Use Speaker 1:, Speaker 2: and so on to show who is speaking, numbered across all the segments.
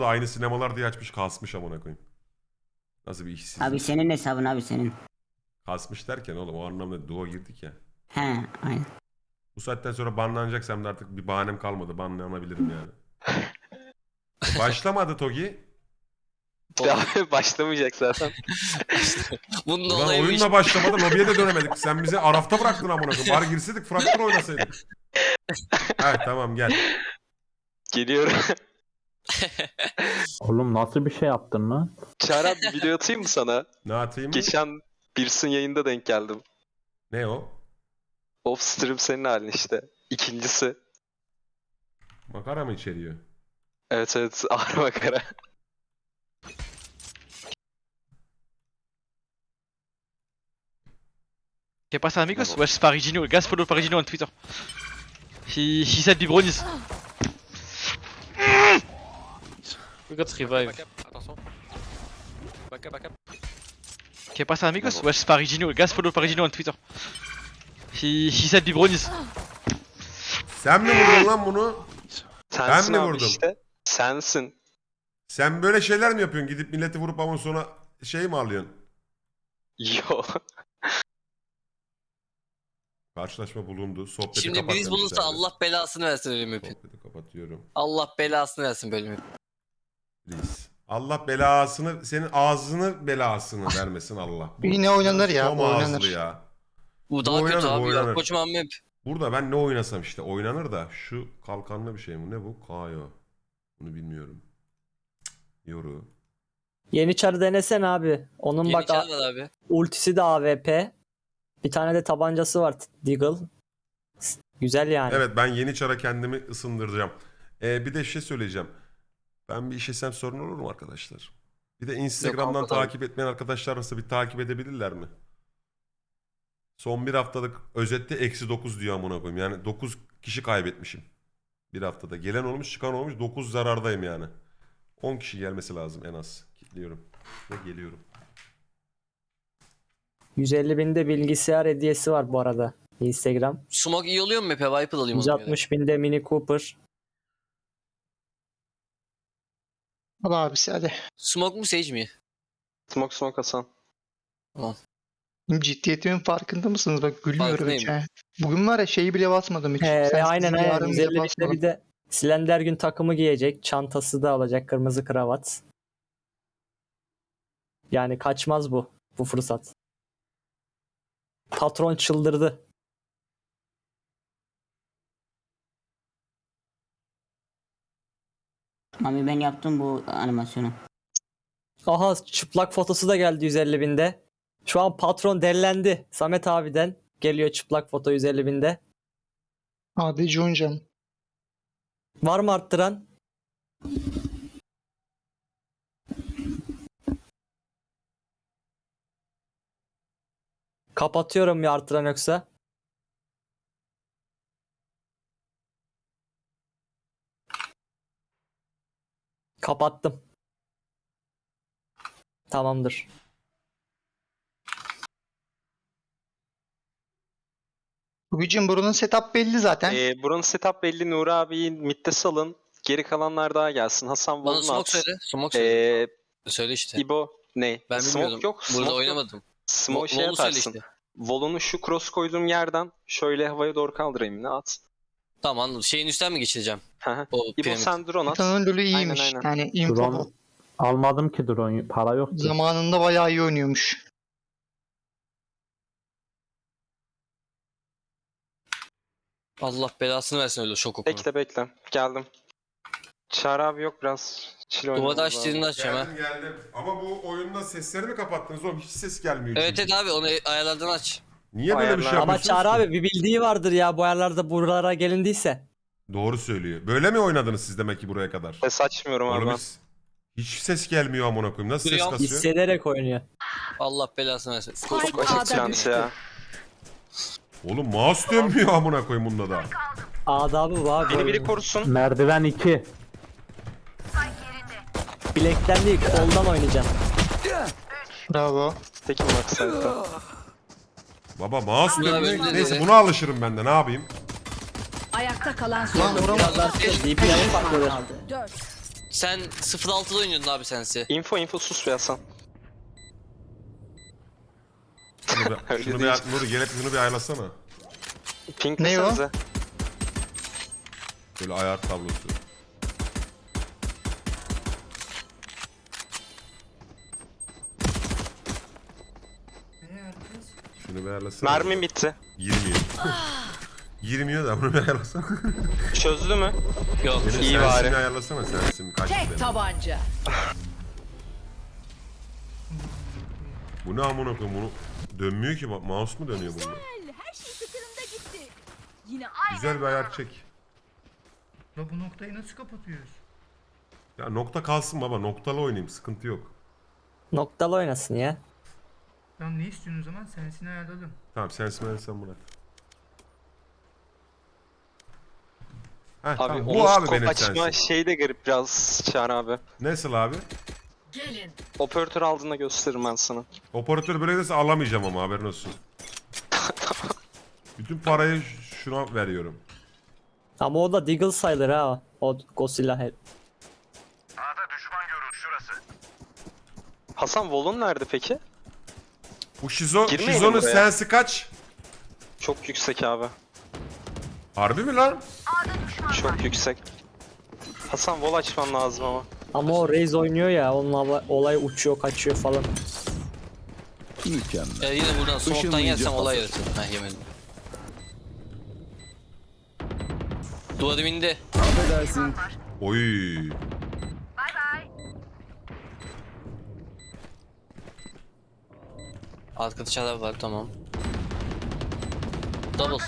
Speaker 1: Aynı sinemalar diye açmış, kasmış amına koyayım. Nasıl bir işsizlik?
Speaker 2: Abi senin hesabın abi senin.
Speaker 1: Kasmış derken oğlum o anlamda duo girdik ya.
Speaker 2: He aynen.
Speaker 1: Bu saatten sonra banlanacaksam da artık bir bahanem kalmadı. Banlanabilirim yani. Başlamadı Togi.
Speaker 3: Ya başlamayacak zaten.
Speaker 4: Bunun da
Speaker 1: Ulan
Speaker 4: olayı bu
Speaker 1: oyunla
Speaker 4: iş.
Speaker 1: başlamadı, lobiye de dönemedik. Sen bizi Araf'ta bıraktın amına koyayım. Bari girseydik, Fracture oynasaydık. Evet tamam gel.
Speaker 3: Geliyorum.
Speaker 5: Oğlum nasıl bir şey yaptın lan?
Speaker 3: Çağrı abi bir video atayım mı sana?
Speaker 1: Ne atayım?
Speaker 3: Geçen Birs'in yayında denk geldim.
Speaker 1: Ne o?
Speaker 3: Off stream senin halin işte. İkincisi.
Speaker 1: Makara mı içeriyor?
Speaker 3: Evet evet ağır makara.
Speaker 6: ¿Qué pasa, amigos? Wesh, Parigino, gas follow Parigino on Twitter. He said Bibronis.
Speaker 4: We got revive.
Speaker 7: Attention. Backup.
Speaker 6: ¿Qué pasa, amigos? Wesh, Parigino, gas follow Parigino on Twitter. He said Bibronis.
Speaker 1: Sen mi vurdun lan bunu?
Speaker 3: Sensin
Speaker 1: mi
Speaker 3: abi
Speaker 1: vurdum?
Speaker 3: işte. Sensin.
Speaker 1: Sen böyle şeyler mi yapıyorsun? Gidip milleti vurup ama sonra şey mi alıyorsun?
Speaker 3: Yo.
Speaker 1: Karşılaşma bulundu. Sohbeti
Speaker 4: Şimdi
Speaker 1: kapat
Speaker 4: biriz bulursa
Speaker 1: demişlerdi.
Speaker 4: Allah belasını versin ölüm öpün.
Speaker 1: Sohbeti kapatıyorum.
Speaker 4: Allah belasını versin bölümü.
Speaker 1: Please. Allah belasını, senin ağzını belasını vermesin Allah. Bu
Speaker 8: Yine oynanır ya,
Speaker 1: Tom
Speaker 8: bu oynanır.
Speaker 1: ağızlı ya.
Speaker 4: Bu daha
Speaker 1: oynanır,
Speaker 4: kötü
Speaker 1: bu
Speaker 4: abi
Speaker 1: oynanır.
Speaker 4: ya kocaman map.
Speaker 1: Burada ben ne oynasam işte oynanır da şu kalkanlı bir şey mi? Ne bu? Kayo. Bunu bilmiyorum. Cık, Yoru.
Speaker 9: Yeni çarı denesen abi. Onun
Speaker 4: Yeni
Speaker 9: bak
Speaker 4: çar var abi.
Speaker 9: ultisi de AWP. Bir tane de tabancası var Deagle. Güzel yani.
Speaker 1: Evet ben yeni çara kendimi ısındıracağım. Bir de şey söyleyeceğim. Ben bir işesem sorun olur mu arkadaşlar? Bir de Instagram'dan
Speaker 4: Yok, abi.
Speaker 1: takip etmeyen arkadaşlar varsa bir takip edebilirler mi? Son bir haftalık özette -9 diyor amına koyayım. Yani 9 kişi kaybetmişim. Bir haftada. Gelen olmuş çıkan olmuş 9 zarardayım yani. 10 kişi gelmesi lazım en az. Kilitliyorum. Ve geliyorum.
Speaker 9: 150 binde bilgisayar hediyesi var bu arada. Instagram.
Speaker 4: Smoke iyi oluyor mu map'e? Viper alayım ona göre.
Speaker 9: 160 binde Mini Cooper.
Speaker 8: Al abisi hadi.
Speaker 4: Smoke mu Sage mi?
Speaker 3: Smoke Hasan.
Speaker 8: Ciddiyetimin farkında mısınız? Bak gülmüyorum hiç.
Speaker 4: Farkındayım.
Speaker 8: he. Bugün var ya şeyi bile basmadım hiç. Sen
Speaker 9: Aynen
Speaker 8: sizin
Speaker 9: aynen.
Speaker 8: yarın bile
Speaker 9: 150 binde
Speaker 8: basmadım.
Speaker 9: bir de Slender gün takımı giyecek. Çantası da alacak. Kırmızı kravat. Yani kaçmaz bu fırsat. Patron çıldırdı.
Speaker 2: Abi ben yaptım bu animasyonu.
Speaker 9: Aha çıplak fotosu da geldi 150 binde. Şu an patron dellendi. Samet abiden geliyor çıplak foto 150 binde.
Speaker 8: Hadi Juncan.
Speaker 9: Var mı arttıran? Kapatıyorum ya arttıran yoksa. Kapattım. Tamamdır.
Speaker 8: Bugün buranın setup belli zaten.
Speaker 3: Buranın setup belli. Nuri abiyi midde salın. Geri kalanlar daha gelsin. Hasan
Speaker 4: Bana
Speaker 3: Vol'unu
Speaker 4: smoke
Speaker 3: at.
Speaker 4: söyle. Smoke söyle.
Speaker 3: Ee,
Speaker 4: Söyle işte.
Speaker 3: İbo ne?
Speaker 4: Ben
Speaker 3: Smoke
Speaker 4: bilmiyordum.
Speaker 3: yok.
Speaker 4: Burada
Speaker 3: Smoke
Speaker 4: oynamadım.
Speaker 3: Yok. Smoke şey
Speaker 4: Vol'u söyle
Speaker 3: atarsın.
Speaker 4: işte.
Speaker 3: Vol'unu şu cross koyduğum yerden şöyle havaya doğru kaldırayım. Ne at?
Speaker 4: Tamam anladım. Şeyin üstten mi geçireceğim?
Speaker 3: Hı.
Speaker 4: O
Speaker 3: İbo
Speaker 4: piramit.
Speaker 3: sen drone at.
Speaker 8: Tanrı'nın lülü iyiymiş.
Speaker 3: Aynen.
Speaker 8: Yani info
Speaker 5: Drone almadım ki drone. Para yok ki.
Speaker 8: zamanında bayağı iyi oynuyormuş.
Speaker 4: Allah belasını versin öyle şok okunu.
Speaker 3: Bekle. Geldim. Çağrı abi yok biraz. Chill
Speaker 4: Duvada
Speaker 3: oynamamız
Speaker 4: açtığını
Speaker 3: lazım.
Speaker 4: açacağım ha.
Speaker 1: Geldim. Ama bu oyunda sesleri mi kapattınız oğlum? Hiç ses gelmiyor.
Speaker 4: Evet
Speaker 1: çünkü.
Speaker 4: evet abi onu ayarlardan aç.
Speaker 1: Niye böyle bir şey
Speaker 3: Ayarlar.
Speaker 9: Ama
Speaker 1: yapıyorsunuz
Speaker 9: Çağrı
Speaker 1: ki?
Speaker 9: abi bir bildiği vardır ya bu ayarlarda buralara gelindiyse.
Speaker 1: Doğru söylüyor. Böyle mi oynadınız siz demek ki buraya kadar?
Speaker 3: Ses açmıyorum abi
Speaker 1: Oğlum
Speaker 3: ben.
Speaker 1: hiç ses gelmiyor amına koyayım. Nasıl ses
Speaker 4: Duyuyorum.
Speaker 1: kasıyor?
Speaker 9: Hissederek oynuyor.
Speaker 4: Allah belasını versin.
Speaker 3: Açık çantı ya.
Speaker 1: Oğlum mouse dönmüyor amına koyayım bunda da.
Speaker 9: Adabı var.
Speaker 3: Beni biri korusun.
Speaker 5: Merdiven 2.
Speaker 9: Bilekten değil koldan oynayacağım.
Speaker 8: Bravo.
Speaker 3: Peki Max'ta.
Speaker 1: Baba mouse
Speaker 4: Bunlar
Speaker 1: dönmüyor.
Speaker 4: böyle
Speaker 1: Neyse
Speaker 4: dedi.
Speaker 1: buna alışırım ben de ne yapayım?
Speaker 10: Ayakta kalan
Speaker 8: Lan
Speaker 10: son
Speaker 8: vuramadım.
Speaker 9: Biraz daha DPI'ye patladı.
Speaker 10: 4.
Speaker 4: Sen 06'da oynuyordun abi sensi.
Speaker 3: Info sus be Hasan. Öyle
Speaker 1: Şunu
Speaker 3: değil.
Speaker 1: Nuri gelip şunu bir ayarlasana.
Speaker 3: Pink
Speaker 8: Ne o?
Speaker 3: desenize.
Speaker 1: Böyle ayar tablosu. Şunu bir ayarlasana.
Speaker 3: Mermim bitti.
Speaker 1: Girmiyor. Girmiyor da bunu bir ayarlasana.
Speaker 3: Çözdü mü?
Speaker 4: Yok.
Speaker 1: Benim
Speaker 3: İyi
Speaker 1: sensini
Speaker 3: bari.
Speaker 1: ayarlasana sensin kaç
Speaker 10: Tek
Speaker 1: benim.
Speaker 10: tabanca.
Speaker 1: Bu ne amına koyayım bunu dönmüyor ki mouse mu dönüyor bunda?
Speaker 10: Her şey tıkırında gitti. Yine
Speaker 1: Güzel bir ayar çek.
Speaker 8: Ya bu noktayı nasıl kapatıyoruz?
Speaker 1: Ya nokta kalsın baba noktalı oynayayım sıkıntı yok.
Speaker 9: Noktalı oynasın ya.
Speaker 8: Tamam ne istiyorsun o zaman? Sensini ayarladım.
Speaker 1: Tamam sensin sen bırak. Heh,
Speaker 3: Abi
Speaker 1: tamam.
Speaker 3: o
Speaker 1: Bu abi
Speaker 3: scope
Speaker 1: benim
Speaker 3: açma
Speaker 1: sensin.
Speaker 3: şey de garip biraz Çağrı abi.
Speaker 1: Nasıl abi?
Speaker 10: gelin.
Speaker 3: Operatör aldığında gösteririm ben sana.
Speaker 1: Operatör böyle derse alamayacağım ama haberin olsun. Bütün parayı şuna veriyorum.
Speaker 9: Ama o da Deagle sayılır ha. O Godzilla head.
Speaker 3: Hasan Vol'un nerede peki?
Speaker 1: Bu
Speaker 3: Girmeyelim
Speaker 1: Şizo'nun
Speaker 3: buraya.
Speaker 1: sensi kaç?
Speaker 3: Çok yüksek abi.
Speaker 1: Harbi mi lan?
Speaker 3: Çok yüksek. Hasan Vol açman lazım ama.
Speaker 9: Ama o Raze oynuyor ya. Onun olay uçuyor kaçıyor falan.
Speaker 4: Yine buradan smoke'tan yersem olay yaratır. Heh yemedim. Duvarım indi.
Speaker 1: Oy.
Speaker 4: Arkada çalar var tamam. Double.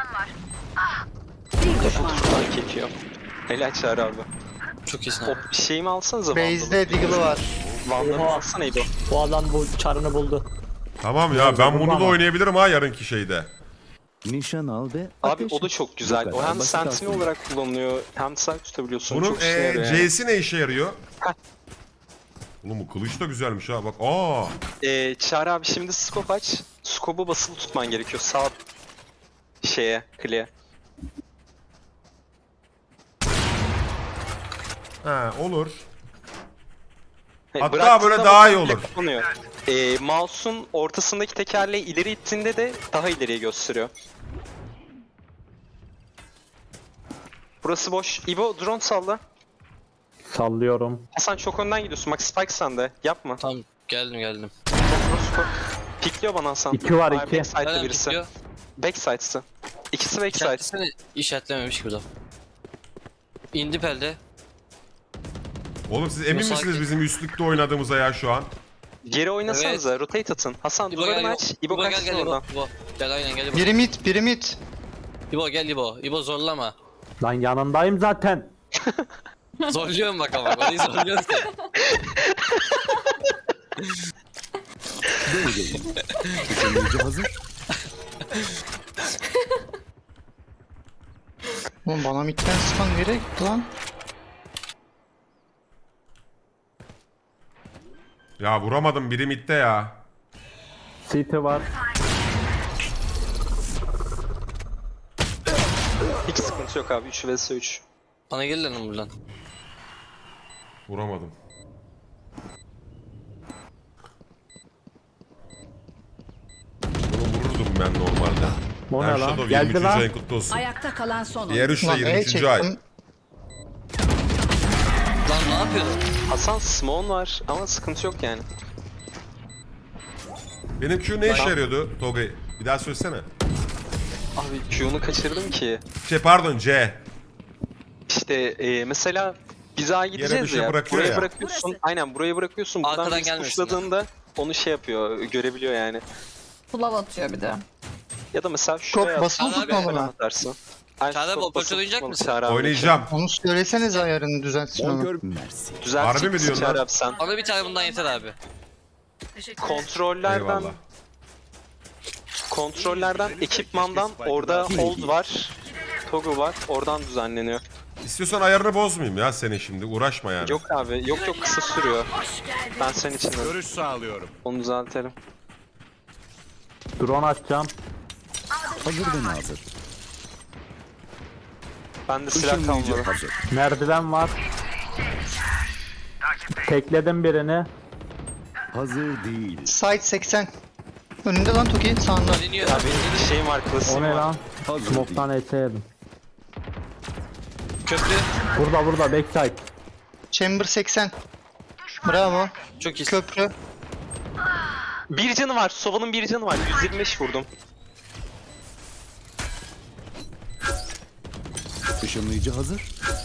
Speaker 10: Bir düşman.
Speaker 3: Fark ediyor. Helal Çağrı abi.
Speaker 4: Çok iyisin
Speaker 3: O
Speaker 4: abi.
Speaker 3: şeyimi alsanıza
Speaker 8: Base'de Deagle'ı var.
Speaker 3: Vandal'ı
Speaker 9: Oha.
Speaker 3: alsana İbo.
Speaker 9: Bu adam bu çarını buldu.
Speaker 1: Tamam ya ben bunu da oynayabilirim ha yarınki şeyde.
Speaker 11: Nişan al ve
Speaker 3: Abi
Speaker 11: ateş
Speaker 3: o da
Speaker 11: et.
Speaker 3: çok güzel.
Speaker 11: Bu
Speaker 3: O
Speaker 11: kadar
Speaker 3: hem
Speaker 11: basit
Speaker 3: sentinel
Speaker 11: aslında.
Speaker 3: olarak kullanılıyor hem silah tutabiliyorsun.
Speaker 1: Bunun
Speaker 3: çok işine yarıyor yani.
Speaker 1: C'si ne işe yarıyor?
Speaker 3: Heh.
Speaker 1: Oğlum bu kılıç da güzelmiş ha bak. Aa.
Speaker 3: Çağrı abi şimdi scope aç. Scope'u basılı tutman gerekiyor. Sağ şeye, kliğe.
Speaker 1: Ha olur. Hatta
Speaker 3: Bıraktığında
Speaker 1: böyle daha iyi
Speaker 3: komple
Speaker 1: olur.
Speaker 3: kapanıyor. Mouse'un ortasındaki tekerleği ileri ittiğinde de daha ileriye gösteriyor. Burası boş. İbo drone salla.
Speaker 5: Sallıyorum.
Speaker 3: Hasan çok önden gidiyorsun. Bak Spike sende. Yapma.
Speaker 4: Tamam geldim.
Speaker 3: Pikliyor bana Hasan.
Speaker 5: İki var,
Speaker 3: Hayır,
Speaker 5: iki.
Speaker 3: Backside'de
Speaker 4: Nereden
Speaker 3: birisi.
Speaker 4: pikliyor?
Speaker 3: Backside'sı. İkisi backside.
Speaker 4: İşaretlesene. İşaretlememiş gibi de. İndi perde.
Speaker 1: Oğlum siz emin
Speaker 4: Yok,
Speaker 1: misiniz
Speaker 4: sakin.
Speaker 1: bizim üstlükte oynadığımıza ya şu an?
Speaker 3: Geri oynasanıza. Rotate atın. Hasan
Speaker 4: İbo
Speaker 3: duvarını
Speaker 4: gel
Speaker 3: aç. İbo
Speaker 4: gel
Speaker 3: kaçsın
Speaker 4: gel İbo.
Speaker 3: oradan.
Speaker 4: İbo. Gel aynen gel İbo.
Speaker 8: Biri mid, biri mid.
Speaker 4: İbo gel İbo. İbo zorlama.
Speaker 5: Lan yanındayım zaten.
Speaker 4: Zorluyorum bak ama. Orayı zorluyorsun sen.
Speaker 11: Böyleyim. Işınlayıcı hazır.
Speaker 8: Oğlum bana midden sıkan gerek lan.
Speaker 1: Ya vuramadım biri midde ya.
Speaker 5: City var.
Speaker 3: Hiç sıkıntı yok abi. 3 vs 3.
Speaker 4: Bana gel lan buradan.
Speaker 1: Vuramadım. Bunu vururdum ben normalde.
Speaker 5: O ne
Speaker 1: Shadow
Speaker 5: lan? Geldi
Speaker 1: 23.
Speaker 5: lan.
Speaker 1: ayın kutlu olsun.
Speaker 10: Ayakta kalan son
Speaker 1: Diğer
Speaker 10: oyuncu.
Speaker 1: üçle
Speaker 8: Lan E
Speaker 1: 23. ay.
Speaker 8: çektim.
Speaker 4: Lan ne yapıyordun?
Speaker 3: Hasan Smon var ama sıkıntı yok yani.
Speaker 1: Benim Q ne işe yarıyordu Togay? Bir daha söylesene.
Speaker 3: Abi Q'nu kaçırdım ki.
Speaker 1: Pardon C.
Speaker 3: İşte mesela biz A'ya gideceğiz
Speaker 1: bir şey
Speaker 3: ya.
Speaker 1: bırakıyor
Speaker 3: Buraya
Speaker 1: ya.
Speaker 3: bırakıyorsun.
Speaker 10: Burası.
Speaker 3: Aynen burayı bırakıyorsun. Buradan
Speaker 4: Arkadan
Speaker 3: biz
Speaker 4: gelmesinler.
Speaker 3: tuşladığında onu şey yapıyor. Görebiliyor yani.
Speaker 10: Flav atıyor bir de.
Speaker 3: Ya da mesela şuraya
Speaker 8: Çok basılı
Speaker 4: Çağrı abi,
Speaker 8: tutmalı lan.
Speaker 3: atarsın. Ay,
Speaker 4: Çağrı abi,
Speaker 3: çok
Speaker 4: operatör
Speaker 3: basılı
Speaker 4: oynayacak
Speaker 3: tutmalı
Speaker 4: mısın?
Speaker 3: Çağrı abi.
Speaker 1: Oynayacağım.
Speaker 8: Onu söylesenize ayarını düzeltsin onu.
Speaker 11: Bonkör mersi.
Speaker 3: Düzeltecek
Speaker 1: Harbi mi
Speaker 3: misin
Speaker 1: diyorsun
Speaker 3: Çağrı
Speaker 1: lan?
Speaker 3: abi sen?
Speaker 4: Bana bir tane bundan yeter abi.
Speaker 3: Kontrollerden
Speaker 1: Eyvallah.
Speaker 3: ekipmandan orada hold var. Toggle var. Oradan düzenleniyor.
Speaker 1: İstiyorsan ayarını bozmayayım ya seni şimdi. Uğraşma yani.
Speaker 3: Yok abi. Yok kısa sürüyor. Ben senin için de
Speaker 11: Görüş sağlıyorum.
Speaker 3: onu düzeltelim.
Speaker 5: Drone atacağım.
Speaker 11: Hazır ve nazır.
Speaker 3: Bende silah
Speaker 11: Işınlayıcı
Speaker 3: kalmadı.
Speaker 11: hazır.
Speaker 5: Merdiven var. Tekledim birini.
Speaker 11: Hazır değil.
Speaker 8: Side 80. Önünde lan Toki sağında.
Speaker 4: Deniyor.
Speaker 3: Ya benim bir şeyim var,
Speaker 5: O
Speaker 3: klasiğim
Speaker 5: ne
Speaker 3: var.
Speaker 5: lan?
Speaker 11: Hazır değil.
Speaker 5: Smoke'tan ese yedim.
Speaker 4: Köprü.
Speaker 5: Burada backside.
Speaker 8: Chamber 80. Bravo.
Speaker 4: Çok iyi.
Speaker 8: Köprü.
Speaker 3: Bir canı var. Sova'nın bir canı var. 125 vurdum.
Speaker 11: Işınlayıcı hazır.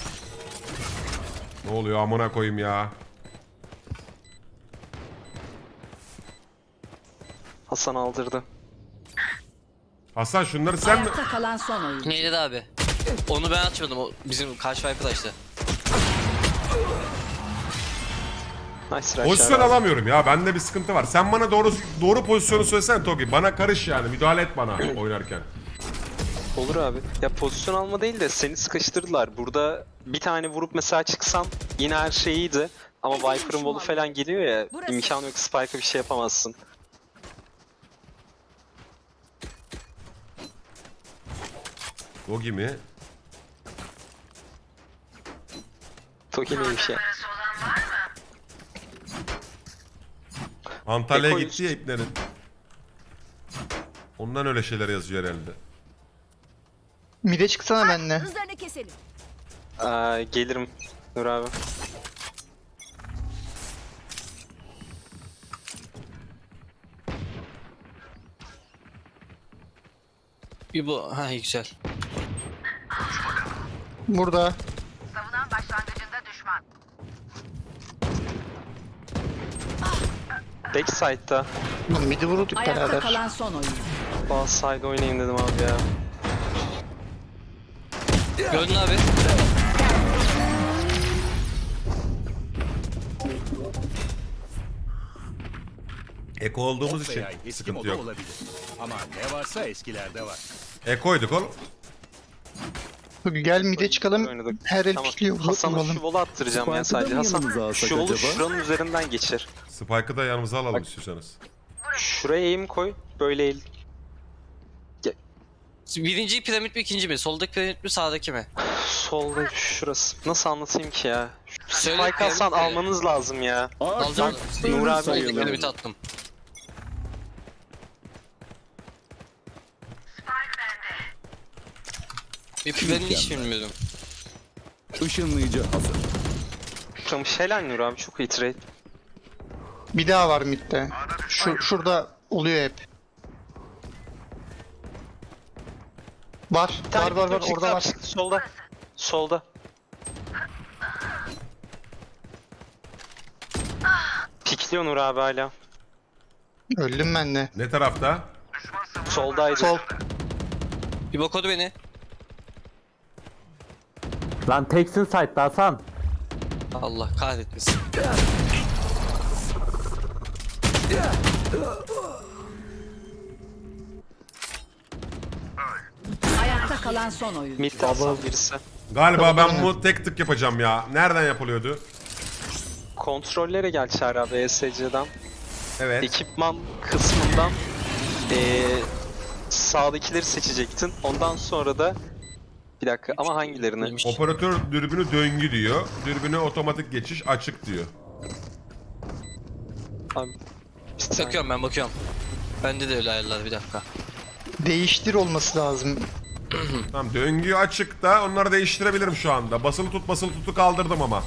Speaker 1: Ne oluyor amına koyayım ya.
Speaker 3: Hasan aldırdı.
Speaker 1: Hasan şunları sen mi?
Speaker 10: Ayakta kalan son oyuncu.
Speaker 4: Neydi de abi? Onu ben açmadım. O bizim karşı arkadaştı.
Speaker 3: Nice rush
Speaker 1: Pozisyon
Speaker 3: abi.
Speaker 1: alamıyorum ya. Bende bir sıkıntı var. Sen bana doğru pozisyonu söylesene Togi. Bana karış yani. Müdahale et bana oynarken.
Speaker 3: Olur abi. Ya pozisyon alma değil de seni sıkıştırdılar. Burada bir tane vurup mesela çıksam yine her şey iyiydi. Ama Viper'ın wall'u falan geliyor ya.
Speaker 10: Burası.
Speaker 3: İmkanı yok, Spike'a bir şey yapamazsın.
Speaker 1: Togi mi?
Speaker 3: Toki neymiş ya?
Speaker 1: Antalya'ya
Speaker 3: Eko
Speaker 1: gitti ya iplerin. Ondan öyle şeyler yazıyor herhalde.
Speaker 8: Mide çıksana benimle.
Speaker 10: Hızlarını keselim.
Speaker 3: Gelirim Nur abi.
Speaker 4: Bir bu. Ha iyi, güzel.
Speaker 8: Burada.
Speaker 3: Backside'da.
Speaker 8: Midi vurduk
Speaker 10: Ayakta
Speaker 8: beraber.
Speaker 10: kalan son oyuncu.
Speaker 3: Bazı side oynayayım dedim abi ya.
Speaker 4: Gördün abi.
Speaker 1: Eko olduğumuz için
Speaker 11: Veya eski
Speaker 1: sıkıntı
Speaker 11: moda
Speaker 1: yok.
Speaker 11: olabilir. Ama ne varsa eskilerde var.
Speaker 1: Eko'yduk oğlum.
Speaker 8: Toki gel mide çıkalım.
Speaker 3: Oynadık.
Speaker 8: Her el
Speaker 3: Tamam.
Speaker 8: pikliyor.
Speaker 3: Hasan'a şu
Speaker 8: Vuralım.
Speaker 3: wall'u attıracağım ya
Speaker 11: Spike'ı da
Speaker 3: sadece.
Speaker 11: mı
Speaker 3: Hasan
Speaker 11: yanımıza alsak
Speaker 3: şu wall'u
Speaker 11: acaba?
Speaker 3: şuranın üzerinden geçir.
Speaker 1: Spike'ı da yanımıza alalım istiyorsanız.
Speaker 3: Şuraya aim koy. Böyle eğil.
Speaker 4: Birinci piramit mi ikinci mi? Soldaki piramit mi sağdaki mi?
Speaker 3: Solda şurası. Nasıl anlatayım ki ya?
Speaker 4: Söyle,
Speaker 3: Spike alsan
Speaker 4: piramit mi?
Speaker 3: almanız lazım ya.
Speaker 4: Alacağım.
Speaker 3: Nur abi
Speaker 4: Soldaki
Speaker 3: sayılır.
Speaker 4: piramit attım. Bir piramit hiç bilmiyorum.
Speaker 11: Işınlayıcı hazır.
Speaker 3: Tutamış helal Nur abi, çok iyi trade.
Speaker 8: Bir daha var midde. Şurada oluyor hep. Var.
Speaker 3: Bir tane
Speaker 8: Var.
Speaker 3: çıktı
Speaker 8: Orada
Speaker 3: abi,
Speaker 8: var.
Speaker 3: çıktı. Solda. Solda. Pikliyor Nur abi hala.
Speaker 8: Öldüm ben de.
Speaker 1: Ne tarafta?
Speaker 3: Soldaydı.
Speaker 8: Sol.
Speaker 4: Bir bakodu beni.
Speaker 5: Lan teksin site'da Hasan.
Speaker 4: Allah kahretmesin.
Speaker 10: Ayakta kalan son oyuncu.
Speaker 3: Mid'de Hasan birisi.
Speaker 1: Galiba ben bu tek tık yapacağım ya. Nereden yapılıyordu?
Speaker 3: Kontrollere gel Çağrı abi ESC'den.
Speaker 1: Evet.
Speaker 3: Ekipman kısmından sağdakileri seçecektin. Ondan sonra da bir dakika ama hangilerini?
Speaker 4: Neymiş?
Speaker 1: Operatör dürbünü döngü diyor. Dürbüne otomatik geçiş açık diyor.
Speaker 3: Abi, bir saniye.
Speaker 4: Bakıyorum ben bakıyorum. Bende de öyle ayarlar, bir dakika.
Speaker 8: Değiştir olması lazım.
Speaker 1: Tamam, döngü açık da onları değiştirebilirim şu anda. Basılı tutu kaldırdım ama.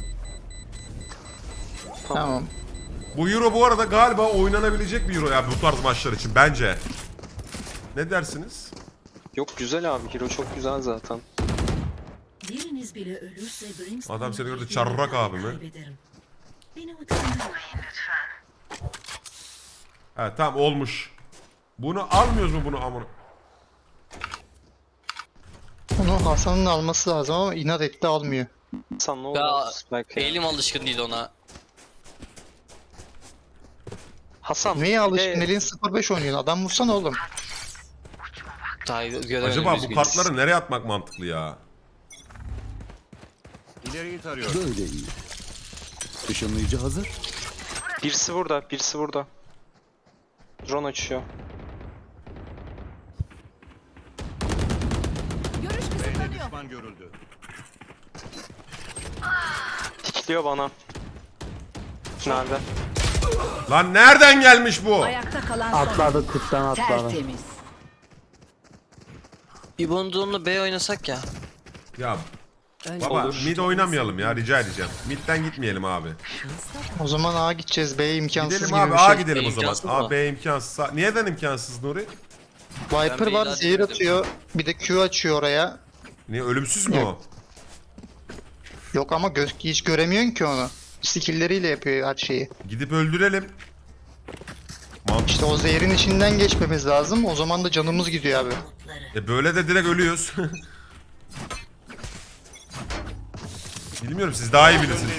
Speaker 8: Tamam.
Speaker 1: Bu Euro bu arada galiba oynanabilecek bir Euro ya bu tarz maçlar için bence. Ne dersiniz?
Speaker 3: Yok güzel abi, Hero çok güzel zaten.
Speaker 10: Biriniz bile ölürse
Speaker 1: Adam seni gördü, çarrak abi mi?
Speaker 10: Beni utandırmayın.
Speaker 1: Ha tamam, olmuş. Bunu almıyoruz mu bunu amına?
Speaker 8: Onu Hasan'ın alması lazım ama inat etti almıyor.
Speaker 3: Sen ne oldu?
Speaker 4: Ya
Speaker 3: Belki.
Speaker 4: elim alışkın değil ona.
Speaker 3: Hasan.
Speaker 8: Neye
Speaker 3: bir
Speaker 8: alışkın?
Speaker 3: de-
Speaker 8: Elin 0-5 oynuyorsun. Adam vursana oğlum.
Speaker 4: Daha göremedim.
Speaker 1: Acaba bu
Speaker 4: üzgünüz.
Speaker 1: kartları nereye atmak mantıklı ya?
Speaker 11: İleriyi tarıyorum. Böyle iyi. Işınlayıcı hazır.
Speaker 3: Birisi burada, birisi burada. Drone açıyor.
Speaker 10: Görüş kısıtlanıyor.
Speaker 11: Düşman görüldü.
Speaker 3: Pikliyor bana. Nerede?
Speaker 1: Lan nereden gelmiş bu?
Speaker 10: Ayakta kalan son
Speaker 5: Atladı tüpten atladı.
Speaker 10: tertemiz.
Speaker 4: İbo'nun drone'la B oynasak ya.
Speaker 1: Ya
Speaker 10: Önce
Speaker 1: baba mid oynamayalım ya, rica edeceğim. Mid'den gitmeyelim abi.
Speaker 8: O zaman A gideceğiz. B imkansız
Speaker 1: Gidelim
Speaker 8: gibi
Speaker 1: abi
Speaker 8: bir
Speaker 1: A
Speaker 8: şey.
Speaker 1: gidelim o
Speaker 4: İmkansız
Speaker 1: zaman.
Speaker 4: mı?
Speaker 1: A B imkansız. Neden imkansız Nuri?
Speaker 8: Viper
Speaker 4: Ben
Speaker 8: var,
Speaker 4: B'yi
Speaker 8: zehir
Speaker 4: dedim.
Speaker 8: atıyor. Bir de Q açıyor oraya.
Speaker 1: Niye, ölümsüz mü o?
Speaker 8: Yok ama hiç göremiyorsun ki onu. Skill'leriyle yapıyor her şeyi.
Speaker 1: Gidip öldürelim. Mantıklı.
Speaker 8: İşte o zehrin içinden geçmemiz lazım. O zaman da canımız gidiyor abi.
Speaker 1: Böyle de direkt ölüyoruz. Bilmiyorum, siz daha iyi bilirsiniz.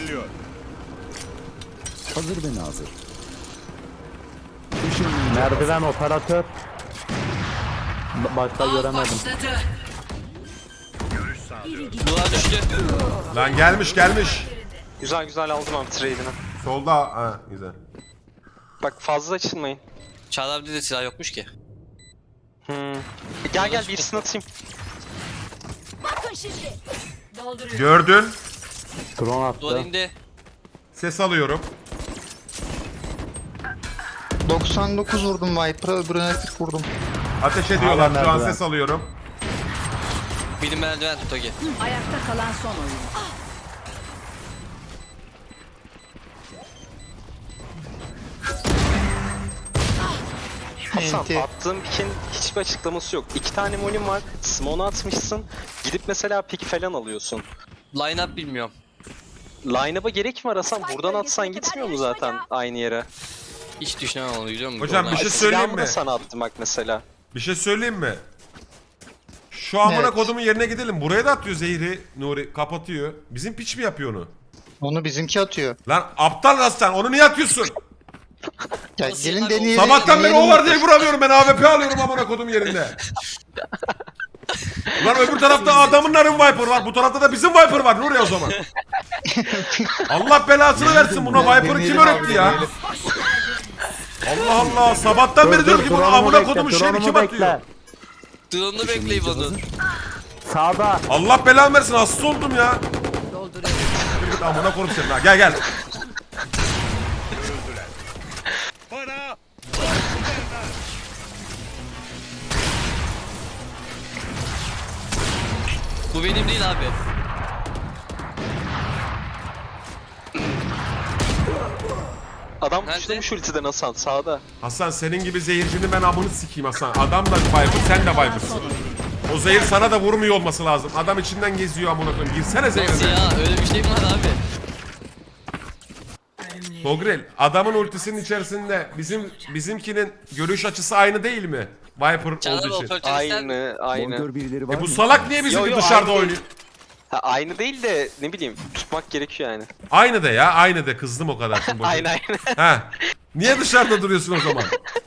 Speaker 11: Hazır ve nazır. Işınlayıcı
Speaker 5: Merdiven operatör. Başta göremedim.
Speaker 10: başladı.
Speaker 4: Duvar düştü.
Speaker 1: Lan gelmiş.
Speaker 3: Güzel güzel aldım abi trade'ini.
Speaker 1: Solda, ha güzel.
Speaker 3: Bak fazla açılmayın.
Speaker 4: Çağlar abide de silah yokmuş ki.
Speaker 3: Gel birisini atayım.
Speaker 10: Bakın şimdi. Dolduruyor.
Speaker 1: Gördün.
Speaker 5: Drone
Speaker 4: Duvar
Speaker 5: attı.
Speaker 4: indi.
Speaker 1: Ses alıyorum.
Speaker 8: 99 vurdum Viper'a, öbürüne 40 vurdum.
Speaker 1: Ateş ediyorlar,
Speaker 5: Hala
Speaker 1: şu an
Speaker 5: merdiven.
Speaker 1: ses alıyorum.
Speaker 4: Benim merdiven tut Togi.
Speaker 10: Ayakta kalan son oyuncu.
Speaker 3: Hasan
Speaker 8: Enti.
Speaker 3: attığım pick'in hiçbir açıklaması yok. 2 tane molim var. Smoke'u atmışsın. Gidip mesela pick falan alıyorsun.
Speaker 4: Line up bilmiyorum.
Speaker 3: Line-up'a gerek mi arasan? Buradan atsan gitmiyor mu zaten aynı yere?
Speaker 4: Hiç düşünemem onu biliyor musun?
Speaker 1: Hocam,
Speaker 4: Drone
Speaker 1: bir şey
Speaker 4: açtı.
Speaker 1: söyleyeyim
Speaker 3: Silahımı da
Speaker 1: mi?
Speaker 3: sana attım bak mesela.
Speaker 1: Bir şey söyleyeyim mi? Şu amına
Speaker 8: Evet.
Speaker 1: kodumun yerine gidelim. Buraya da atıyor zehri. Nuri kapatıyor. Bizim piç mi yapıyor onu?
Speaker 8: Onu bizimki atıyor.
Speaker 1: Lan aptal Rastan, onu niye atıyorsun?
Speaker 8: Ya
Speaker 4: Nasıl
Speaker 8: gelin
Speaker 4: abi?
Speaker 8: deneyelim.
Speaker 1: Sabahtan beri o
Speaker 8: deneyelim.
Speaker 1: var diye vuramıyorum, ben AWP alıyorum amına kodum yerinde. Lan öbür tarafta adamınların Viper var, bu tarafta da bizim Viper var Nuri o zaman. Allah belasını versin, buna Viper'ı kim öğretti ya? Allah Allah, sabahtan beri diyorum ki bunu
Speaker 5: drone'umu
Speaker 1: amına
Speaker 5: bekle,
Speaker 1: kodumun şeyini kim
Speaker 5: drone'umu
Speaker 1: atıyor?
Speaker 5: bekle.
Speaker 4: Drone'u bekle İbo'nun.
Speaker 5: Sağda.
Speaker 1: Allah belanı versin, hasta oldum ya.
Speaker 10: Dolduruyor.
Speaker 1: Git amına koyayım seni ha, gel.
Speaker 4: Bu benim değil abi.
Speaker 3: Adam
Speaker 4: Nerede?
Speaker 3: düştürmüş ultiden Hasan sağda.
Speaker 1: Hasan, senin gibi zehircinin ben amını sikeyim Hasan. Adam da Viper, sen de Viper'sın. O zehir sana da vurmuyor olması lazım. Adam içinden geziyor amına koyayım. Girsene
Speaker 4: Nasıl
Speaker 1: zehirine.
Speaker 4: ya? Öyle bir şey mi var abi?
Speaker 1: Togrel, adamın ultisinin içerisinde bizimkinin görüş açısı aynı değil mi? Viper
Speaker 4: Çağlar
Speaker 1: olduğu için.
Speaker 4: operatör ister mi?
Speaker 3: Aynı.
Speaker 11: bonkör birileri var
Speaker 1: Bu
Speaker 11: mı?
Speaker 1: salak niye bizimki
Speaker 3: Yo,
Speaker 1: dışarıda
Speaker 3: aynı
Speaker 1: oynuyor?
Speaker 3: Ha, aynı değil de ne bileyim tutmak gerekiyor yani.
Speaker 1: Aynı de ya, aynı de. Kızdım o kadar. Şimdi boşuna.
Speaker 3: Aynı.
Speaker 1: Ha. Niye dışarıda duruyorsun o zaman?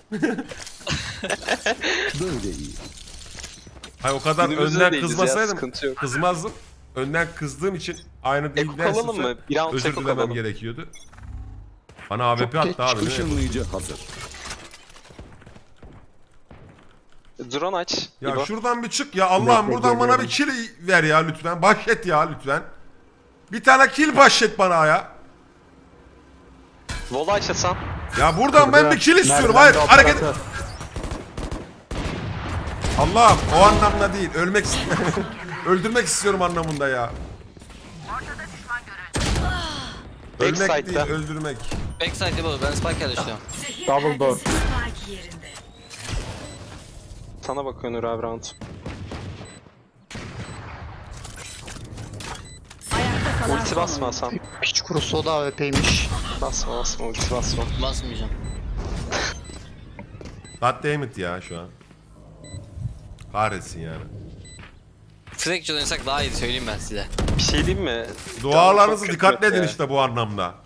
Speaker 11: Böyle iyi.
Speaker 1: Hayır, o kadar
Speaker 3: Günümüzde
Speaker 1: önden
Speaker 3: değiliz ya,
Speaker 1: kızmasaydım
Speaker 3: sıkıntı yok.
Speaker 1: kızmazdım. Önden kızdığım için aynı değil
Speaker 3: Eko kalalım
Speaker 1: dersin.
Speaker 3: mı? Bir round
Speaker 1: Özür
Speaker 3: eko
Speaker 1: dilemem
Speaker 3: kalalım.
Speaker 1: gerekiyordu. Bana AWP
Speaker 8: Çok
Speaker 1: attı abi. değil mi?
Speaker 11: Işınlayıcı hazır.
Speaker 3: Drone aç.
Speaker 1: Ya
Speaker 3: İbo.
Speaker 1: şuradan bir çık ya, Allah'ım
Speaker 5: Bekle,
Speaker 1: buradan bana bir kill ver ya lütfen. Bahşet ya lütfen. Bir tane kill bahşet bana ya.
Speaker 3: Vola aç Hasan.
Speaker 1: Ya buradan ben bir kill istiyorum.
Speaker 5: Merdivende
Speaker 1: Hayır, hareket.
Speaker 5: operatör.
Speaker 1: Allah'ım, o anlamda değil. Ölmek öldürmek istiyorum anlamında ya. Ölmek değil,
Speaker 3: Backside'da.
Speaker 1: öldürmek.
Speaker 4: Backside İbo. Ben Spike yerleştiriyorum.
Speaker 5: Double door.
Speaker 10: Spike yerinde.
Speaker 3: Sana bakıyor Nur abi round.
Speaker 10: Ayakta kalan
Speaker 3: Ulti
Speaker 10: son
Speaker 3: basma
Speaker 10: oyuncu.
Speaker 3: Hasan.
Speaker 8: Piç kurusu o da AWP'ymiş.
Speaker 3: Basma ulti basma.
Speaker 4: Basmayacağım.
Speaker 1: Goddammit ya şu an. Kahretsin yani.
Speaker 4: Fracture oynasak daha iyi söyleyeyim ben size.
Speaker 3: Bir şey diyeyim mi?
Speaker 1: Dualarınızı
Speaker 3: Çok
Speaker 1: dikkatli
Speaker 3: kötü
Speaker 1: edin
Speaker 3: ya.
Speaker 1: işte bu anlamda.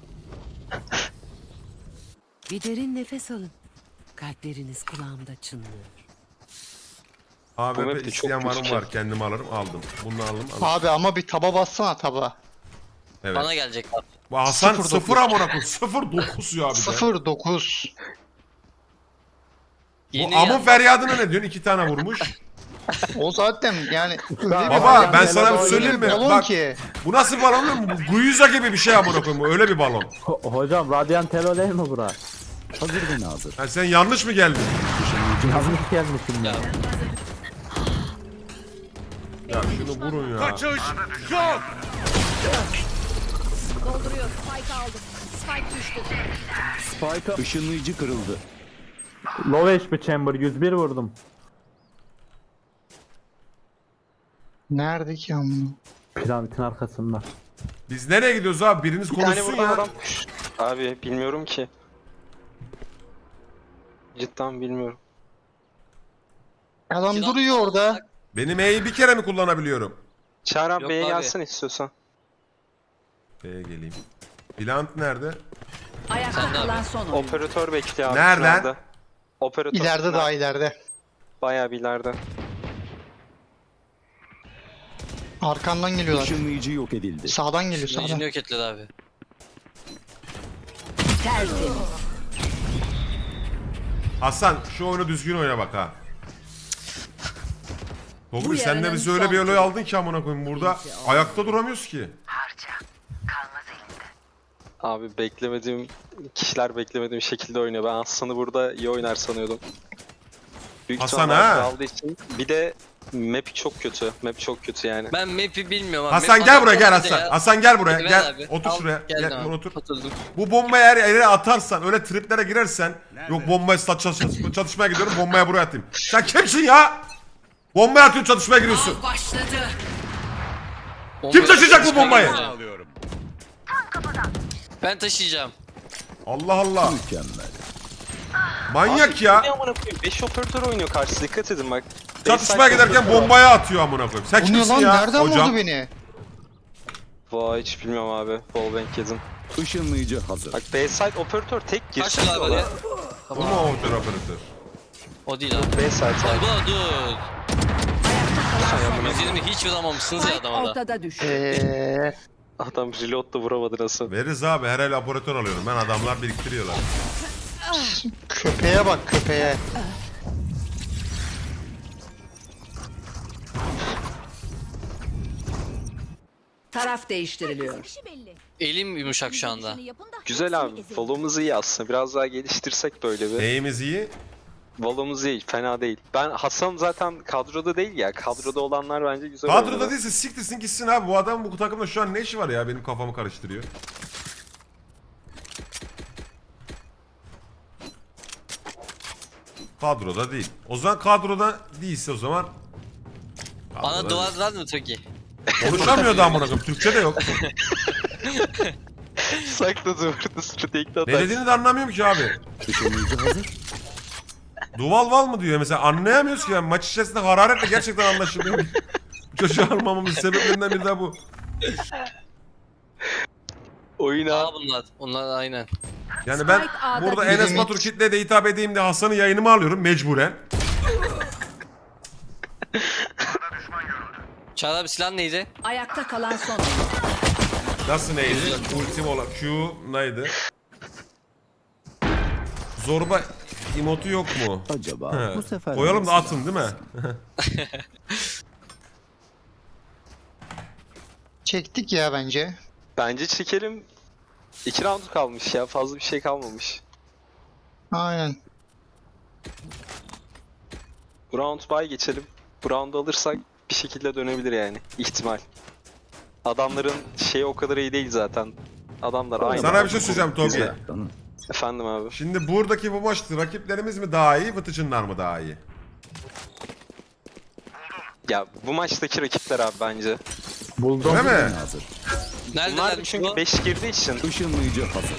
Speaker 10: Bir derin nefes alın. Kalpleriniz kulağımda çınlıyor.
Speaker 3: Bu map de
Speaker 1: AWP
Speaker 3: çok
Speaker 1: isteyen var
Speaker 3: kötü.
Speaker 1: mı var, kendim alırım, aldım. Bunu aldım.
Speaker 8: Abi ama bir taba bassana taba.
Speaker 1: Evet.
Speaker 4: Bana gelecek abi.
Speaker 1: Bu Hasan
Speaker 8: 0.9.
Speaker 1: 0 amına koyayım. 0.9 ya bir de.
Speaker 8: 0-9.
Speaker 1: Bu
Speaker 4: Yeni
Speaker 1: amın
Speaker 4: geldi.
Speaker 1: feryadına ne diyorsun? 2 tane vurmuş.
Speaker 8: O zaten yani öyle bir
Speaker 1: Baba
Speaker 8: balon-
Speaker 1: ben sana bir
Speaker 8: öyle
Speaker 1: söyleyeyim mi?
Speaker 8: balon
Speaker 1: Bak
Speaker 8: ki.
Speaker 1: bu nasıl bir balon biliyor musun? Bu Guiza gibi bir şey amına koyayım. Öyle bir balon.
Speaker 5: Hocam Radiant Helo değil mi bura?
Speaker 11: Hazır ve nazır.
Speaker 1: Ha, sen yanlış mı geldin?
Speaker 5: Yanlış gelmişim ya.
Speaker 1: Ya şunu vurun ya.
Speaker 10: Dolduruyor. Spike aldım. Spike düştü.
Speaker 11: Spike'a ışınlayıcı kırıldı.
Speaker 5: Low HP Chamber 101 vurdum.
Speaker 8: Nerede ki amına?
Speaker 5: Piramidin arkasında.
Speaker 1: Biz nereye gidiyoruz abi? Biriniz
Speaker 3: Bir tane
Speaker 1: konuşsun
Speaker 3: buradan
Speaker 1: ya.
Speaker 3: adam. Abi bilmiyorum ki. Cidden bilmiyorum.
Speaker 8: Adam duruyor orada.
Speaker 1: Benim E'yi bir kere mi kullanabiliyorum?
Speaker 3: Çağrı abi
Speaker 4: Yok
Speaker 3: B'ye
Speaker 4: abi.
Speaker 3: gelsin istiyorsan.
Speaker 1: B'ye geleyim. Plant nerede?
Speaker 10: Ayakta
Speaker 4: Sen de
Speaker 10: kalan
Speaker 4: abi.
Speaker 10: son oyuncu.
Speaker 3: Operatör bekliyor abi.
Speaker 1: Nereden?
Speaker 3: tünelde. Operatör.
Speaker 8: İleride daha ileride.
Speaker 3: Bayağı bir ileride.
Speaker 8: Arkandan geliyorlar.
Speaker 11: Işınlayıcı yok edildi.
Speaker 8: Sağdan geliyor sağdan.
Speaker 4: Yüzünü yok etledi abi.
Speaker 10: Tertemiz.
Speaker 1: Hasan şu oyunu düzgün oyna bak ha.
Speaker 10: Bu
Speaker 1: Togri sen de
Speaker 10: yarının
Speaker 1: bizi öyle
Speaker 10: son
Speaker 1: bir olay aldın ki amına koyayım burada ayakta duramıyoruz ki.
Speaker 3: Abi beklemediğim kişiler beklemediğim şekilde oynuyor. Ben Hasan'ı burada iyi oynar sanıyordum. Büyük
Speaker 1: Hasan
Speaker 3: ihtimalle
Speaker 1: ha?
Speaker 3: aldığı için. Bir de map çok kötü. Map çok kötü yani.
Speaker 4: Ben map'i bilmiyorum abi.
Speaker 1: Hasan
Speaker 4: Map
Speaker 1: gel buraya gel
Speaker 4: anlatmadı
Speaker 1: Hasan.
Speaker 4: ya.
Speaker 1: Hasan gel buraya
Speaker 4: Ver
Speaker 1: gel.
Speaker 4: abi.
Speaker 1: Otur
Speaker 4: Al,
Speaker 1: şuraya.
Speaker 4: geldim
Speaker 1: Gel
Speaker 4: abi.
Speaker 1: otur.
Speaker 4: Oturdum.
Speaker 1: Bu bombayı eğer yere atarsan öyle triplere girersen yok bombaya çatışmaya gidiyorum bombaya buraya atayım. Sen kimsin ya? Bombaya atıyorsun çatışmaya giriyorsun.
Speaker 10: Başladı.
Speaker 1: Kim taşıyacak bu bombayı?
Speaker 4: Ben taşıyacağım.
Speaker 1: Allah Allah.
Speaker 11: Mükemmel.
Speaker 1: Manyak ya.
Speaker 3: 5 operatör oynuyor karşı. Dikkat edin bak.
Speaker 1: Çatışmaya
Speaker 3: Backside
Speaker 1: giderken
Speaker 3: operatör var.
Speaker 1: bombaya atıyor amına koyayım. Sen
Speaker 8: Bu ne
Speaker 1: kimsin
Speaker 8: lan?
Speaker 1: ya?
Speaker 8: Nereden
Speaker 1: Hocam.
Speaker 8: vurdu beni?
Speaker 3: Vay hiç bilmiyorum abi. Wallbang yedim.
Speaker 11: Işınlayıcı hazır.
Speaker 3: Bak B-side operatör tek
Speaker 4: Kaç
Speaker 3: girsin
Speaker 4: abi
Speaker 3: diyorlar.
Speaker 4: oraya?
Speaker 1: Bu mu o operatör?
Speaker 4: O değil abi.
Speaker 3: B-side.
Speaker 4: Dur dur. Ya, 120 hiç vuramamışsınız ya
Speaker 10: Spike
Speaker 4: adama da.
Speaker 10: ortada düştü.
Speaker 3: Adam reload da vuramadı nasıl?
Speaker 1: Veririz abi her el operatör alıyorum ben adamlar biriktiriyorlar.
Speaker 8: Köpeğe bak köpeğe.
Speaker 10: Taraf değiştiriliyor.
Speaker 4: Elim yumuşak şu anda.
Speaker 3: Güzel abi. Valo'muz iyi aslında. Biraz daha geliştirsek böyle bir.
Speaker 1: Neyimiz iyi?
Speaker 3: Valo'muz iyi. Fena değil. Ben Hasan zaten kadroda değil ya. Kadroda olanlar bence güzel
Speaker 1: Kadroda
Speaker 3: oynadı.
Speaker 1: değilse siktirsin gitsin abi. Bu adam bu takımda şu an ne işi var ya benim kafamı karıştırıyor. Kadroda değil. O zaman kadroda değilse o zaman.
Speaker 4: Bana
Speaker 1: Kadroda
Speaker 4: dua
Speaker 1: değil.
Speaker 4: var mı Toki?
Speaker 1: Konuşamıyor da amına koyayım. Türkçe de yok.
Speaker 3: Sakladı burada strategik
Speaker 1: Ne dediğini de anlamıyorum ki abi.
Speaker 11: Işınlayıcı hazır.
Speaker 1: Duval val mı diyor mesela anlayamıyoruz ki yani maç içerisinde hararetle gerçekten anlaşılmıyor. Bu çocuğu almamamın sebeplerinden biri de bu.
Speaker 3: Oyuna
Speaker 4: Aa bunlar. Onlar aynen.
Speaker 1: Yani ben
Speaker 10: Spike A'da
Speaker 1: burada
Speaker 10: bizim
Speaker 1: Enes Batur kitleye de hitap edeyim diye Hasan'ı yayınıma alıyorum mecburen.
Speaker 4: Çağrı abi silah neydi?
Speaker 10: Ayakta kalan son oyuncu.
Speaker 1: Nasıl neydi? Ultim olan Q neydi? Zorba emotu yok mu?
Speaker 11: Acaba
Speaker 1: He.
Speaker 11: bu sefer
Speaker 1: Koyalım da atın değil mi?
Speaker 8: Çektik ya bence.
Speaker 3: bence çekelim. 2 round kalmış ya. Fazla bir şey kalmamış.
Speaker 8: Aynen.
Speaker 3: Bu round bye geçelim. Bu round'u alırsak bir şekilde dönebilir yani. İhtimal. Adamların şeyi o kadar iyi değil zaten. Adamlar aynı.
Speaker 1: Sana bir şey söyleyeceğim Togi.
Speaker 3: Güzel. Efendim abi.
Speaker 1: Şimdi buradaki bu maçta rakiplerimiz mi daha iyi, Vıtıcınlar mı daha iyi?
Speaker 3: Ya bu maçtaki rakipler abi bence.
Speaker 5: Buldum.
Speaker 1: Değil mi?
Speaker 11: hazır.
Speaker 3: Bunlar
Speaker 4: Neredeler
Speaker 3: çünkü 5 girdiği için
Speaker 11: Işınlayıcı hazır.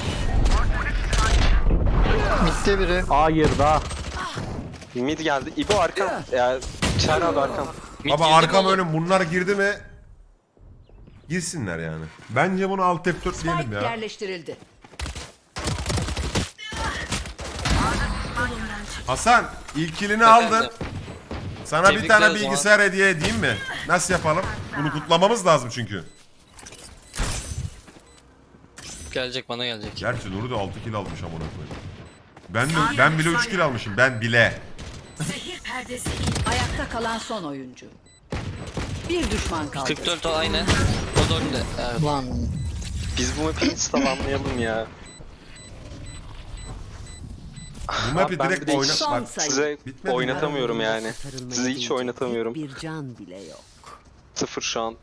Speaker 8: Mitte biri.
Speaker 5: A girdi A.
Speaker 3: mid geldi. İbo arkan. Ya Çağrı abi arkan.
Speaker 1: Baba arkam önüm bunlar girdi mi girsinler yani. Bence bunu alt F4 diyelim
Speaker 10: Spike
Speaker 1: ya.
Speaker 10: yerleştirildi.
Speaker 1: Hasan ilk kilini aldın. Sana bir
Speaker 4: Tebrikler
Speaker 1: tane
Speaker 4: o zaman.
Speaker 1: bilgisayar hediye edeyim mi? Nasıl yapalım? Bunu kutlamamız lazım çünkü.
Speaker 4: Gelecek bana gelecek.
Speaker 1: Gerçi Nuri de 6 kill almış amına koyayım. Ben bile 3 kill almışım. Ben bile.
Speaker 10: Zehir perdesi in. Ayakta kalan son oyuncu. Bir düşman kaldı.
Speaker 4: 44 o aynı. O da önünde. Evet.
Speaker 9: Lan
Speaker 3: Biz bu map'i install'anlayalım ya.
Speaker 1: Bu map'i
Speaker 3: ben
Speaker 1: direkt
Speaker 3: bir de
Speaker 1: oyna...
Speaker 10: Son
Speaker 1: Bak
Speaker 10: sayı.
Speaker 3: Size
Speaker 1: bitmedi mi?
Speaker 3: oynatamıyorum yani.
Speaker 10: Sarılmaya
Speaker 3: Size hiç
Speaker 10: değecek
Speaker 3: oynatamıyorum.
Speaker 10: Bir can bile yok.
Speaker 3: 0 şu an.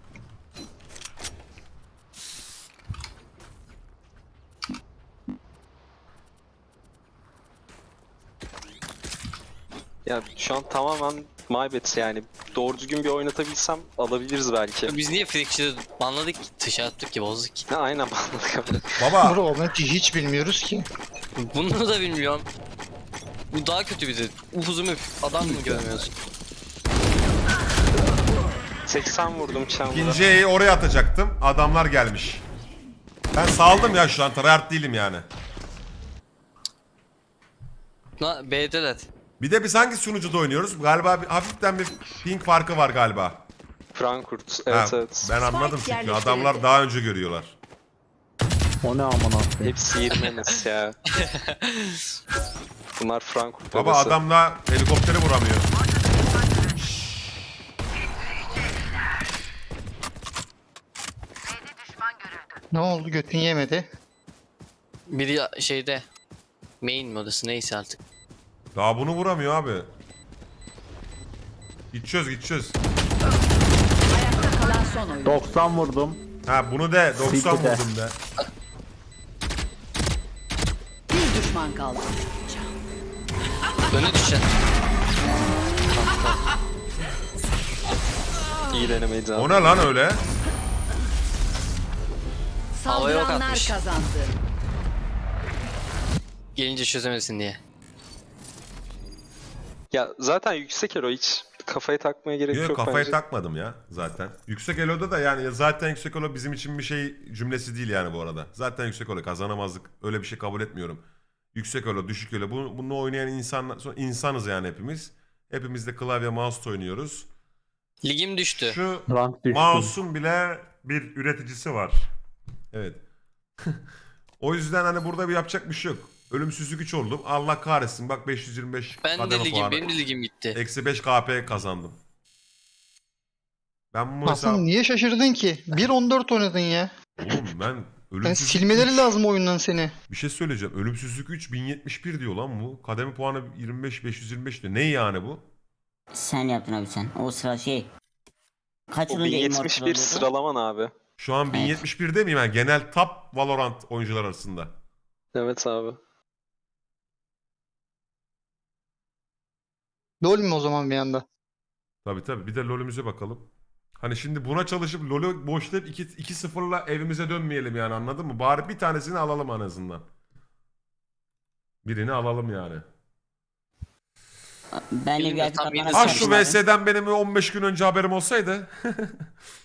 Speaker 3: Ya şu an tamamen maybet yani. Doğru düzgün bir oynatabilsem alabiliriz belki.
Speaker 4: Biz niye Frikçi'de banladık ki? Dışarı attık ki bozduk ki.
Speaker 3: Ha, aynen banladık abi.
Speaker 1: Baba
Speaker 8: Bro o map'i hiç bilmiyoruz ki.
Speaker 4: Bunu da bilmiyorum. Bu daha kötü bir de. Upuzun bir adam mı görmüyorsun?
Speaker 3: 80 vurdum Chamber'a.
Speaker 1: ikinci E'yi oraya atacaktım. Adamlar gelmiş. Ben saldım ya şu an. Tryhard değilim yani.
Speaker 4: B'deler.
Speaker 1: Bir de biz hangi sunucuda oynuyoruz? Galiba hafiften bir ping farkı var galiba.
Speaker 3: Frankfurt.
Speaker 1: Ha,
Speaker 3: Evet evet.
Speaker 1: ben anladım çünkü
Speaker 10: yerleştirildi.
Speaker 1: adamlar daha önce görüyorlar.
Speaker 5: O ne aman abi.
Speaker 3: Hepsi 20 enes ya. Bunlar Frankfurt
Speaker 1: Baba
Speaker 3: bebesi.
Speaker 1: adamla helikopteri vuramıyor.
Speaker 8: Ne oldu götün yemedi.
Speaker 4: Biri şeyde. Main modası neyse artık.
Speaker 1: Daha bunu vuramıyor abi. Gideceğiz gideceğiz.
Speaker 10: Ayakta kalan son oyuncu.
Speaker 5: 90 vurdum.
Speaker 1: Ha bunu de 90
Speaker 5: Siktir de.
Speaker 1: vurdum de.
Speaker 10: Bir düşman kaldı.
Speaker 4: Öne düşen.
Speaker 3: İyi denemeydi
Speaker 1: O
Speaker 3: abi.
Speaker 1: ne lan öyle?
Speaker 4: Havaya ok
Speaker 10: Saldıranlar
Speaker 4: atmış.
Speaker 10: kazandı.
Speaker 4: Gelince çözemesin diye.
Speaker 3: Ya zaten yüksek elo hiç kafaya takmaya gerek
Speaker 1: Yok
Speaker 3: yok
Speaker 1: kafayı
Speaker 3: bence.
Speaker 1: takmadım ya zaten. Yüksek elo'da da yani zaten yüksek elo bizim için bir şey cümlesi değil yani bu arada. Zaten yüksek elo kazanamazdık. Öyle bir şey kabul etmiyorum. Yüksek elo, düşük elo. Bunu oynayan insanız yani hepimiz. Hepimiz de klavye mouse oynuyoruz.
Speaker 4: Ligim düştü.
Speaker 1: Şu
Speaker 5: Rank düştüm.
Speaker 1: mouse'un bile bir üreticisi var. Evet. O yüzden hani burada bir yapacak bir şey yok. Ölümsüzlük 3 oldum. Allah kahretsin. Bak 525
Speaker 4: Ben de
Speaker 1: kademe
Speaker 4: ligim,
Speaker 1: puanı.
Speaker 4: benim de ligim gitti.
Speaker 1: Eksi 5 KP kazandım. Ben bu
Speaker 8: Aslında
Speaker 1: hesap...
Speaker 8: niye şaşırdın ki? 1.14 oynadın ya.
Speaker 1: Oğlum ben
Speaker 8: Yani
Speaker 1: ölümsüzlük
Speaker 8: silmeleri
Speaker 1: 3
Speaker 8: lazım oyundan seni.
Speaker 1: Bir şey söyleyeceğim. Ölümsüzlük 3 1071 diyor lan bu. Kademe puanı 25 525 diyor. Ne yani bu?
Speaker 2: Sen yaptın abi sen. O sıra şey. Kaç
Speaker 3: O
Speaker 2: olunca immortal
Speaker 3: 1071
Speaker 2: oluyordu?
Speaker 3: sıralaman abi.
Speaker 1: Şu an 1071'de miyim ben? Genel top Valorant oyuncular arasında.
Speaker 3: Evet abi.
Speaker 8: LoL mi o zaman bir anda?
Speaker 1: Tabii tabii. Bir de LoL'ümüze bakalım. Hani şimdi buna çalışıp LoL'ü boşlayıp 2-0'la evimize dönmeyelim yani anladın mı? Bari bir tanesini alalım en azından. Birini alalım yani.
Speaker 2: Ben de bir
Speaker 4: Elimde
Speaker 2: artık
Speaker 4: tam
Speaker 2: atmana
Speaker 4: yedi
Speaker 1: Ah
Speaker 4: Sen
Speaker 1: şu
Speaker 2: çalıştım abi.
Speaker 1: VS'den benim 15 gün önce haberim olsaydı.